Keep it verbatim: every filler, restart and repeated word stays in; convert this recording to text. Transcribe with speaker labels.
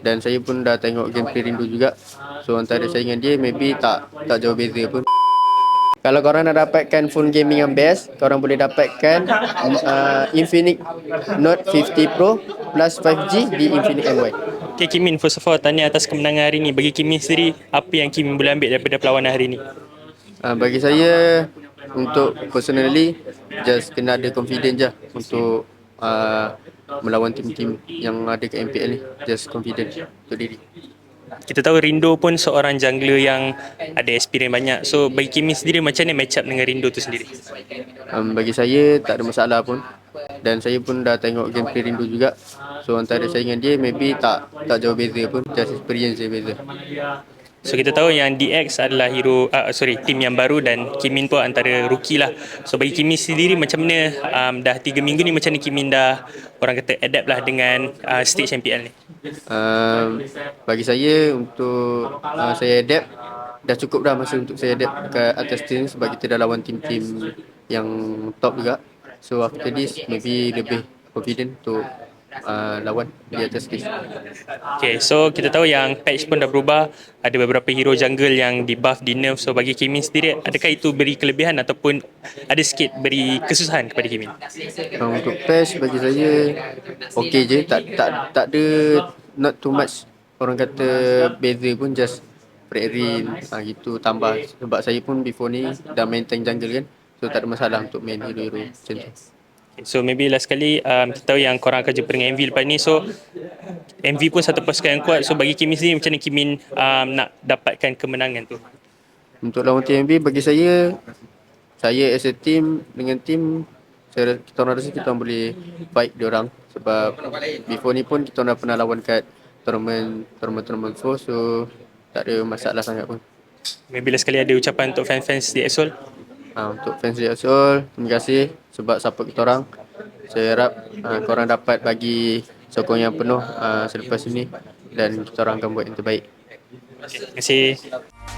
Speaker 1: Dan saya pun dah tengok gameplay Rindu juga. So antara saya dengan dia maybe tak tak jauh beza pun. Kalau korang nak dapatkan phone gaming yang best, korang boleh dapatkan uh, Infinix Note lima puluh Pro plus lima G di Infinix M Y.
Speaker 2: Okay, Kimin, first of all, tanya atas kemenangan hari ni. Bagi Kimin sendiri, apa yang Kimin boleh ambil daripada perlawanan hari ni?
Speaker 1: Uh, bagi saya, untuk personally, just kena ada confidence je untuk uh, melawan tim-tim yang ada ke M P L ni. Just confident untuk diri.
Speaker 2: Kita tahu Rindo pun seorang jungler yang ada experience banyak. So bagi Kimin sendiri, macam mana match up dengan Rindo tu sendiri?
Speaker 1: Um, bagi saya tak ada masalah pun. Dan saya pun dah tengok gameplay Rindu juga. So antara saya dengan dia maybe tak tak jauh beza pun. Just experience je beza.
Speaker 2: So kita tahu yang D X adalah hero, uh, sorry, tim yang baru dan Kimin pun antara rookie lah. So bagi Kimin sendiri, macam mana um, dah tiga minggu ni, macam mana Kimin dah, orang kata, adapt lah dengan uh, stage M P L ni?
Speaker 1: Um, bagi saya untuk uh, saya adapt, dah cukup dah masa untuk saya adapt ke atas tim sebab kita dah lawan tim-tim yang top juga. So after this maybe lebih confident untuk uh, lawan di atas stage.
Speaker 2: Okay, so kita tahu yang patch pun dah berubah. Ada beberapa hero jungle yang di buff, di nerf. So bagi Kimin sendiri, adakah itu beri kelebihan ataupun ada sikit beri kesusahan kepada Kimin?
Speaker 1: Uh, untuk patch bagi saya okey je, tak tak tak ada not too much orang kata beza pun, just Fredrin ha, gitu tambah, sebab saya pun before ni dah main tank jungle kan, so tak ada masalah untuk main hero-hero macam tu.
Speaker 2: So maybe last sekali, um, kita tahu yang korang akan jumpa dengan M V lepas ni. So M V pun satu pasukan yang kuat. So bagi Kimin sendiri, macam mana Kimin um, nak dapatkan kemenangan tu?
Speaker 1: Untuk lawan T M B bagi saya, saya as a team dengan team, saya kita orang rasa kita orang boleh fight dia orang sebab before ni pun kita orang dah pernah lawan kat tournament tournament tournament four, so tak ada masalah sangat pun.
Speaker 2: Maybe last sekali ada ucapan untuk fans-fans di Exol?
Speaker 1: Ha, untuk fans di Exol, terima kasih sebab support kita orang. Saya harap ha, korang dapat bagi sokong yang penuh ha, selepas ini dan kita orang akan buat yang terbaik.
Speaker 2: Okay, terima kasih.